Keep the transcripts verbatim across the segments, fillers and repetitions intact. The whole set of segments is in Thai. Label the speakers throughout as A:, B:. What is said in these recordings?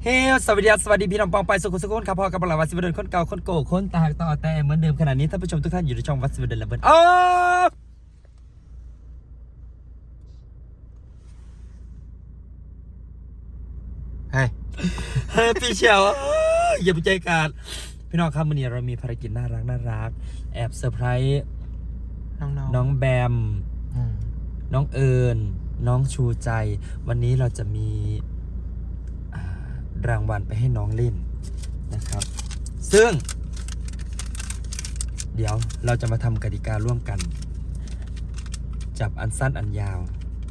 A: เฮ้สวัสดีสวัสดีพี่น้องปองไปสุขุสุขคนครับพ่อกับเราวัดสิบเดินคนเก่าคนโก้คนตาต่อแต่เหมือนเดิมขนาดนี้ท่านผู้ชมทุกท่านอยู่ในช่องวัดสิบเดินและเบิร์นอ๋อเฮ้ยเฮ้ยพี่เชียวอย่าไปใจการพี่น้องครับวันนี้เรามีภารกิจน่ารักน่ารักแอบเซอร์ไพรส์น้องน้องแบมน้องเอิญน้องชูใจวันนี้เราจะมีรางวัลไปให้น้องเล่นนะครับซึ่งเดี๋ยวเราจะมาทำกติการ่วมกันจับอันสั้นอันยาว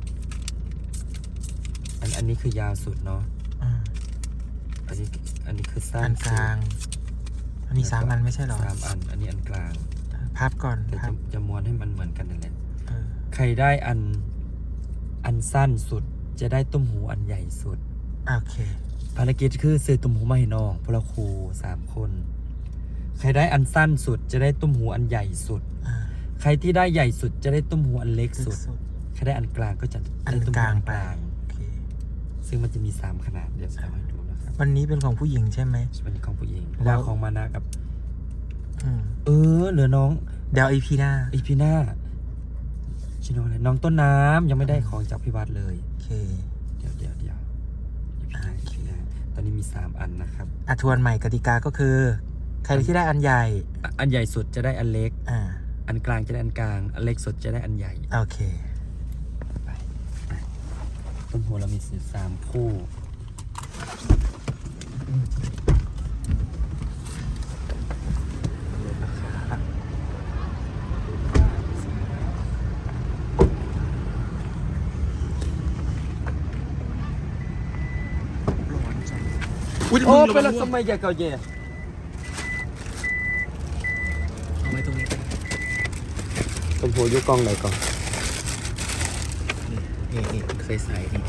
A: อันอันนี้คือยาวสุดเนาะอันนี้อันนี้คือสั้น
B: กลางอันนี้สามอันไม่ใช่หรอ
A: สามอันอันนี้อันกลาง
B: พับก่อน
A: จะจะม้วนให้มันเหมือนกันนั่นแหละใครได้อันอันสั้นสุดจะได้ตุ้มหูอันใหญ่สุด
B: โอเค
A: ภารกิจคือซื้อตุ้มหูมาให้น้องพวกเราครูสามคนใครได้อันสั้นสุดจะได้ตุ้มหูอันใหญ่สุดใครที่ได้ใหญ่สุดจะได้ตุ้มหูอันเล็กสุดใครได้อันกลางก็จะได้ตุ้มหูอันกลางซึ่งมันจะมีสามขนาดเดี๋ยวจะให้ดูนะครับ
B: วันนี้เป็นของผู้หญิงใช่ไหม
A: วันนี้ของผู้หญิงแล้วของมานะกับเออเหลือน้อง
B: เดี๋ยวอีพีหน้า
A: อีพีหน้าชิโน่เลยน้องต้นน้ำยังไม่ได้ของจากพี่วัดเลย
B: โอเค
A: เดี๋ยวเดี๋ยวเดี๋ยวตอนนี้มีสามอันนะครับ
B: อ่ะทวนใหม่กติกาก็คือใครที่ได้อันใหญ่
A: อันใหญ่สุดจะได้อันเล็ก
B: อ่า
A: อันกลางจะได้อันกลางอันเล็กสุดจะได้อันใหญ่
B: โอเค
A: ไปต้นหัวเรามีสิบสามคู่โอ้เป็นสมัยใหญ่เก่าเย่
B: เอาไว้ตรงนี้
A: ต้นหัวยุกองไหนก่อน
B: นี่นี่ใส่ใส่นี่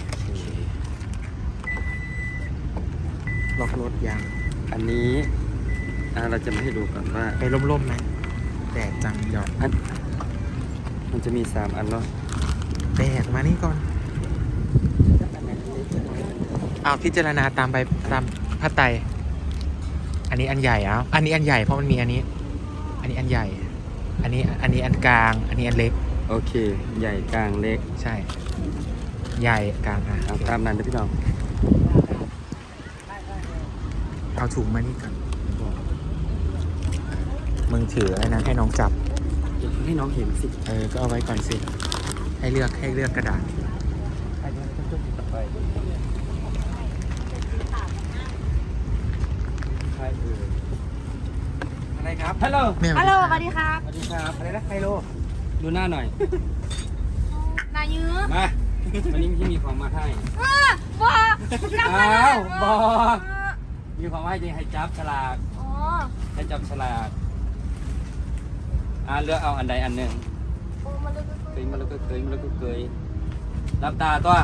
B: ล็อกรถยาง
A: อันนี้เราจะมาให้ดูก่อนว่า
B: ไปร่มๆไหมแดดจังหยอด
A: อันมันจะมีสามอันเนาะ
B: แดดมานี่ก่อนเอาพิจารณาตามไปตามพระไตรอันนี้อันใหญ่เอาอันนี้อันใหญ่เพราะมันมีอันนี้อันนี้อันใหญ่อันนี้อันนี้อันกลางอันนี้อันเล็ก
A: โอเคใหญ่กลางเล็ก
B: ใช่ใหญ่กลางอ่ะ
A: เอาตามนั้นนะพี่น้อง
B: เอาถุงมานี่ก่อนมึงถืออะไรนะให้น้องจับ
A: ให้น้องเห็นสิ
B: เออก็เอาไว้ก่อนสิให้เลือกให้เลือกกระดาษ
A: อะไรครับฮัลโหล
C: ฮัลโหลสวัสดีครับ
A: สวัสดีครับอะไรนะไฮโลดูหน้าหน่อย
C: นายื้อ
A: มาวันนี้พี่มีของมาให้
C: บอ
A: อ้าวบอมีของมาให้จริงให้จับฉลาก
C: อ๋อ
A: ให้จับฉลากอ่าเลือกเอาอันใดอันหนึ่งเคยมาแล้วก็เคยมาแล้วก็เคยรับตาตัว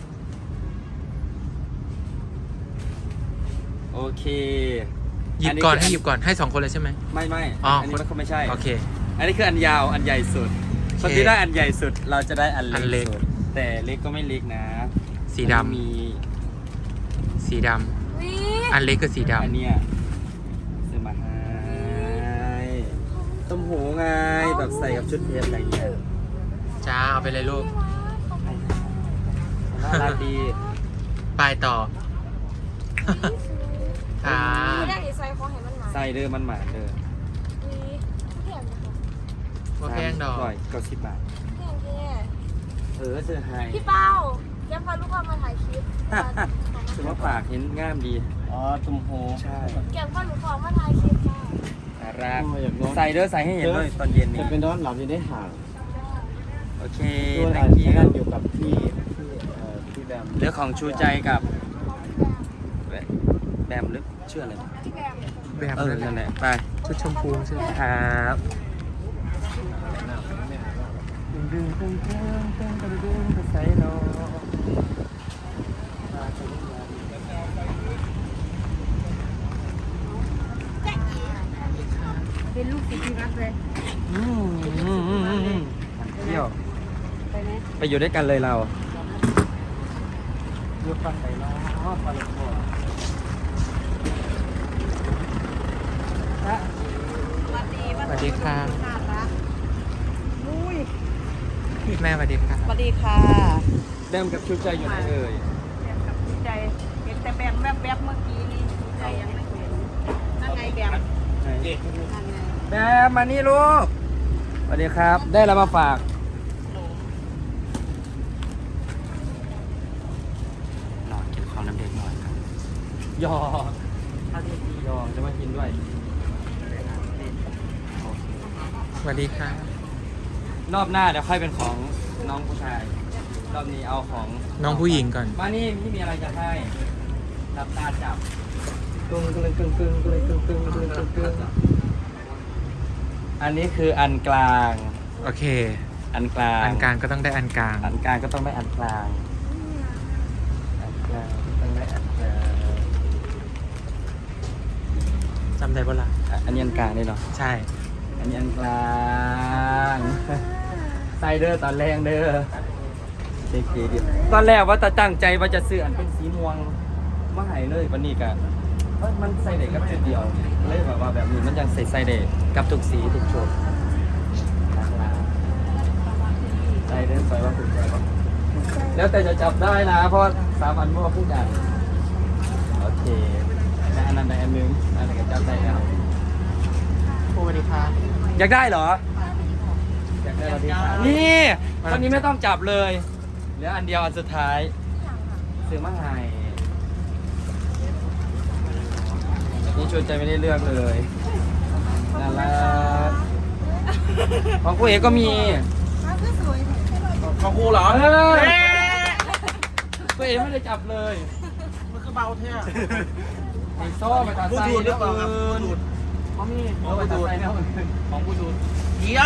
A: โอเค
B: หยิบก่อนให้หยิบก่อนให้สองคนเลยใช่ไหม
A: ไม่ไม่อันนี้มันไม่ใช่
B: โอเค
A: อันนี้คืออันยาวอันใหญ่สุดคนที่ได้อันใหญ่สุดเราจะได้อันเล็กสุดแต่เล็กก็ไม่เล็กนะ
B: สีดำ
A: มี
B: สีดำอันเล็กก็สีดำ
A: อันเนี้ยซื้อมาให้ต้มหูไงแบบใส่กับชุดเพชรอะไรเงี้ย
B: จ้าเอาไปเลยลูก
A: น่ารักดี
B: ไปต่อ
C: อ่าใส่ของเห็นมันหมา
A: ใส่เด้อมันหมาเด้อ
B: ว่าแพงดอก
A: ร้อยเก้าสิบบาท
C: แพงแค่
A: เออเสื้อไฮ
C: พี่เป้าแกพาลูกค้ามาถ่ายคลิป
A: ถือว่าปากเห็นง่ามดีอ๋อตุ้มโฮ
C: ใช่แกพาลูกค้ามาถ่ายคลิปจ้า
A: น่ารักใส่เด้อใส่ให้เห็นด้วยตอนเย็นนี่
D: เป็นนอนหลับจะได้ห่าง
A: โอเค
D: thank you นั่นอยู่กับพี่พี่พี่แบม
A: เรื่องของชูใจกับแบมหรือชื่ออะไร
B: แบม
A: เออนั่นแหละไป
B: ชุดชมพูใช่ไหม
A: ครับดึงดึงดึงดึงดึงดึงดึงใส่โน
C: เป็นลูกศิษย์ที่รักเลย
A: อืมอืมอืมอืมเที่ยวไปไหมไปอยู่ด้วยกันเลยเราอยู่ฝั่งไหนเนาะฝั่งหลวงพ่อ
B: ดีค่ะ
E: น่ารักอุ้ย
B: แม่สวัสดีค่ะ
E: สวัสดีค่ะ
A: แบมกับชุดใจอยู่ไหนเอ่ย
E: แบมกับใจเห็นแต่แบมแวบๆเมื่อกี้นี่ใจยังไม่เห็นนั่นไงแบมนั่นไง
A: แบมมานี่ลูกสวัสดีครับ ได้แล้วมาฝากหลอดเก็บของน้ำเด็กหน่อยครับยอถ้าที่ดียอจะมากินด้วย
B: สวัสดีค่ะ
A: รอบหน้าเดี๋ยวค่อยเป็นของน้องผู้ชาย รอบนี้เอาของ
B: น้องผู้หญิงก่อน
A: มานี่พี่มีอะไรจะให้รับตาจับกึ่งกึ่งกึ่งกึ่งกึ่งกึ่งกึ่งกึ่งกึ่งกึ่งอันนี้คืออันกลาง
B: โอเค
A: อันกลาง
B: อันกลางก็ต้องได้อันกลาง
A: อันกลางก็ต้องได้อันกลางอันกลางก็ต้องได้อันกลาง
B: จำได้ปะล่ะ
A: อ่ะอันนี้อันกลางนี่เนาะ
B: ใช่
A: อันนี้อันกลางใส่เด้อตอนแรกเด้อเก๋ๆดิตอนแรกว่าจะตั้งใจว่าจะซื้ออันเป็นสีม่วงมาให้เลยวันนี้กันมันใส่เด็กกับจุดเดียวเลยแบบว่าแบบนี้มันยังใส่ใส่เด็กกับทุกสีทุกชุดใส่เด้อใส่ว่าถูกใจปะแล้วแต่จะจับได้นะ เพราะสามอันมั่วพูดกันโอเคและอันนั้นในอันนึงอันนี้ก็จับได้แล้ว
B: สวัสดีค่ะ
A: อยากได้เหรอ อยากได้เหรอพี่ครับนี่ตอนนี้ไม่ต้องจับเลยเหลืออันเดียวอันสุดท้ายซื้อมาให้นี่ชวนใจไม่ได้เลือกเลยน่ารักของกูเอกก็มีของกูเหรอกูเอกไม่ได้จับเลย
D: มันก็เบาแท้
A: ไอ้โซ่ไปตัดไส้แล้วอื่นเขามีเขาไปตัดไส้แล้วอื่นของกูดู
D: ดีไอ้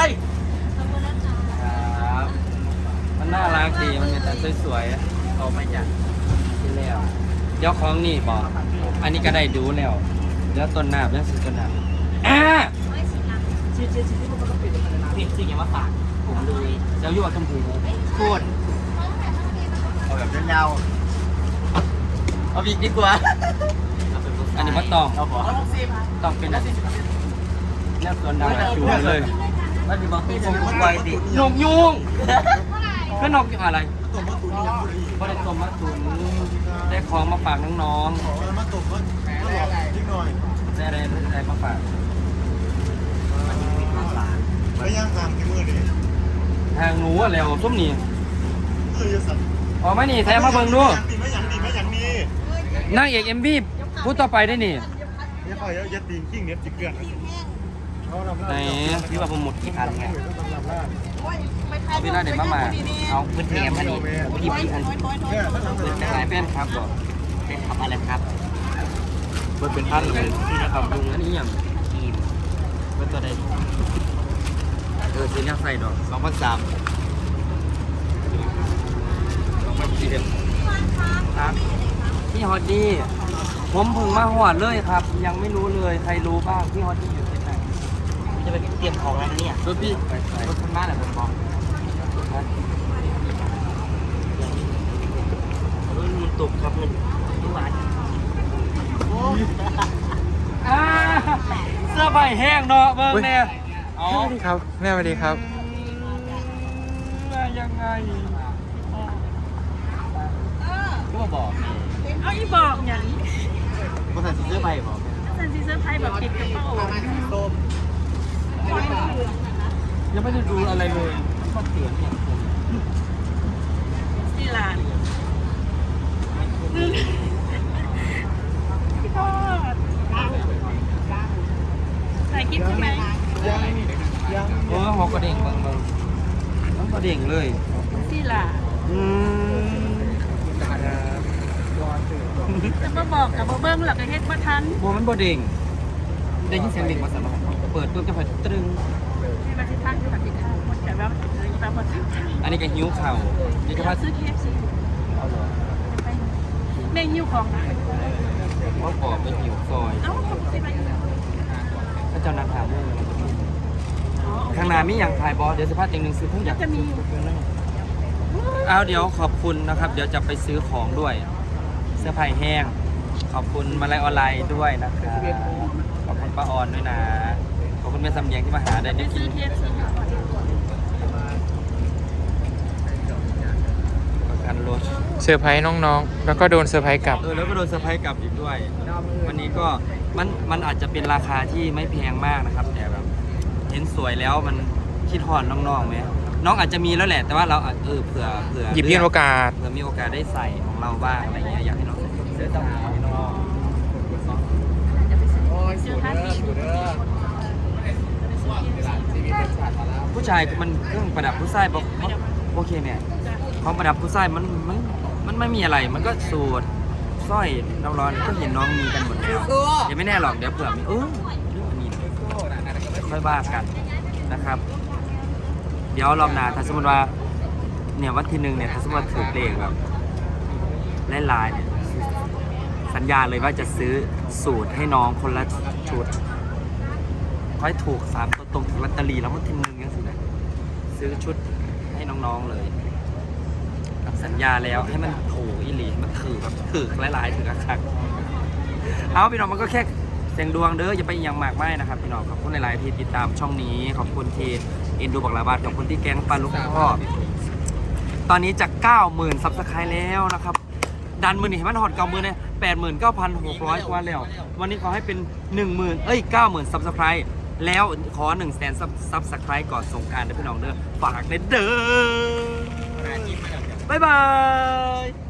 A: ครับมันน่ารักดี มันมีแต่สวยๆเอาไม่จัดที่แล้วเดี๋ยวของนี่บอกอันนี้ก็ได้ดูแล้วแล้วต้นน้ำแล้วสิต้นน้ำอ่าชี้ชี้ชี้ที่มันก็ปิดนี่จริงอย่างว่าฝากผมเลยเจ้าอยู่กับชมพูโคตร
D: เอาแบบยาวๆเอาอีกดีกว่า
A: อันนี้มันต้อง
D: เอาบอก
A: ต้องเป็นอะไรแล้วต้นน้ำชูเลย
D: แล้วดีบอกพี่ผมไวดิ
A: นกยุงคือนกอะไร
D: ตัวมะตุนยังบุรี
A: ก็ได้ต้มมาตุนได้ของมาฝากน้อง
D: ขอมะตุนก็หลอกนิดหน่อย
A: ๆได้อะไรได้มาฝาก
D: แล้วย่างตามกี่มือดิ
A: ทางหนูอะแล้วส้มนี่
D: เออสัตว์
A: อ๋อไม่นี่แท้มาเบิ่งดู
D: ไม่ยังดีไม่ยังดี
A: นางเอกเอ็มบีพูดต่อไปได้นี่
D: ไม่ค่อยยัดตีนกิ้งเนี้ยจิกเกลือนเขาทำ
A: ไหนพี่ว่าผมหมดกี่พันไง
D: ทำลาบ
A: เอาพี่น่าเด็ดมามาเอา
F: พื้นที่อันนี้พี่พี่อัน
D: เนี่ยถ้าทำเป็น
A: สายแป้นครับบอก
F: เป็นทำอะไรครับ
A: มันเป็นพันเลยที่นะครับลุงอันนี้อย่าง
F: ทีม
A: เป็นตัวใดเออสีนี้ใส่ดอกสองพันสามสองพันสี่ครับพี่ฮอตดี้ผมเพิ่งมาหอดเลยครับ ยังไม่รู้เลยใครรู้บ้างพี่ฮอตดี้อยู่ที่ไหน
F: จะไปเตรียมของแล้วนะเนี่ย
A: รถพี่รถคุณมาแหละผมบอก
F: มันตกครับมันทุกวัน
A: อ่าเสื้อใบแห้งเนาะเบิ่งเนี่ยเอา
B: สวัสดีครับ แม่สวัสดีครับ
A: มายังไงก็มาบอก
E: เอาอีบอกอย่างนี้
A: ภาษาเสื้อใบบอก
E: สันซีเซอร์ไพรส์แบบติดกระเป๋า
D: ต้ม
A: ยังไม่ได้ดูอะไรเลยก็เสียงอย่างผม
E: ที่ร้านพี่ทอดถ่ายคลิปใช่ไหม
D: ยังยัง
A: โอ้หัวกระเด้งเบิ่งเบิ่งมันกระเด้งเลย
E: ที่ร้าน
A: อืม
E: จะมาบอกกับมาเบิ้งหลักเฮ็ดมาทัน
A: บัวมันบ่เด้งได้ยินเสียงเด้งมาสั่นมาเปิดปุ๊บจะเปิดตรึง
E: ที่มาที่ทางที่มาที่ทางมันแต่ว่ามันเลยแบบมาทางทาง
A: อันนี้ก็หิวเข่าเดี๋ยวจะ
E: จะ
A: พา
E: ซื้อเคฟซี
A: เอาเหรอ
E: แม่หิ้วของนะ
A: เขาปอบไปหิวซอย
E: เอ้าทำสิไป
A: ถ้าเจ้านักถามเรื่องอะไรข้างหน้ามีอย่างถ่ายบอสเดี๋ยวสภาพจริงหนึ่งซื้อเพิ่งอยาก
E: จะมีอยู่
A: เอาเดี๋ยวขอบคุณนะครับ เดี๋ยวจะไปซื้อของด้วย เสื้อผ้าแห้ง ขอบคุณมาลัยออนไลน์ด้วยนะครับขอบคุณป้าออนด้วยนะขอบคุณคุณแม่สำเนียงที่มาหาได้ได้กิน
E: ซื้อเทียบซื้อผัก
A: ประกันรถ
B: เซอร์ไพรส์น้องๆ แล้วก็โดนเซอร์ไพรส์กลับ
A: เออแล้วก็โดนเซอร์ไพรส์กลับอีกด้วย วันนี้ก็มันมันอาจจะเป็นราคาที่ไม่แพงมากนะครับแต่แบบเห็นสวยแล้วมันคิดฮอดน้องๆไหมน้องอาจจะมีแล้วแหละแต่ว่าเราอาจเออเผื่อเผื่อ
B: หยิบยื่นโอกาส
A: เผื่อมีโอกาสได้ใส่ของเราบ้างอะไรเงี้ยอยากให้น้องเสื้อตำให้น้อง
D: โอ้ยสูดเด้อสูดเด้อ
A: ผู้ชายมันเครื่องประดับผู้ชายบอกโอเคเนี่ยของประดับผู้ชายมันมันมันไม่มีอะไรมันก็สูตรสร้อยน้ำร้อนก็เห็นน้องมีกันหมดแล้วยังไม่แน่หรอกเดี๋ยวเผื่อมีเออเรื่องอันนี้ค่อยว่ากันนะครับ เดี๋ยวรอบหน้าถ้าสมมติว่าเนี่ยวันที่หนึ่งเนี่ยถ้าสมมติว่าถือเลขแบบหลายๆเนี่ยสัญญาเลยว่าจะซื้อสูตรให้น้องคนละชุดค่อยถูกสามตัวตรงลอตเตอรี่แล้ววันที่หนึ่งยังสินะซื้อชุดให้น้องๆเลยสัญญาแล้วให้มันโถอีหลีมันถือแบบถือหลายๆถือคักๆเอาพี่น้องมันก็แค่เสียงดวงเด้ออย่าไปยังมากไม่นะครับพี่น้องขอบคุณหลายๆที่ติดตามช่องนี้ขอบคุณที่เอ็นดูบักลาบาดขอบคุณที่แก๊งปลาลูกพ่อตอนนี้จะเก้าหมื่นซับสไครต์แล้วนะครับดันมือนี่ให้มันหอดเก้าหมื่นเนี่ยแปดหมื่นเก้าพันหกร้อยกว่าแล้ววันนี้ขอให้เป็นหนึ่งหมื่นเอ้ยเก้าหมื่นซับสไครต์แล้วขอหนึ่งแสนซับสไครต์ก่อนสงกรานต์เด้อพี่น้องเด้อฝากเด้อเด้อบ๊ายบาย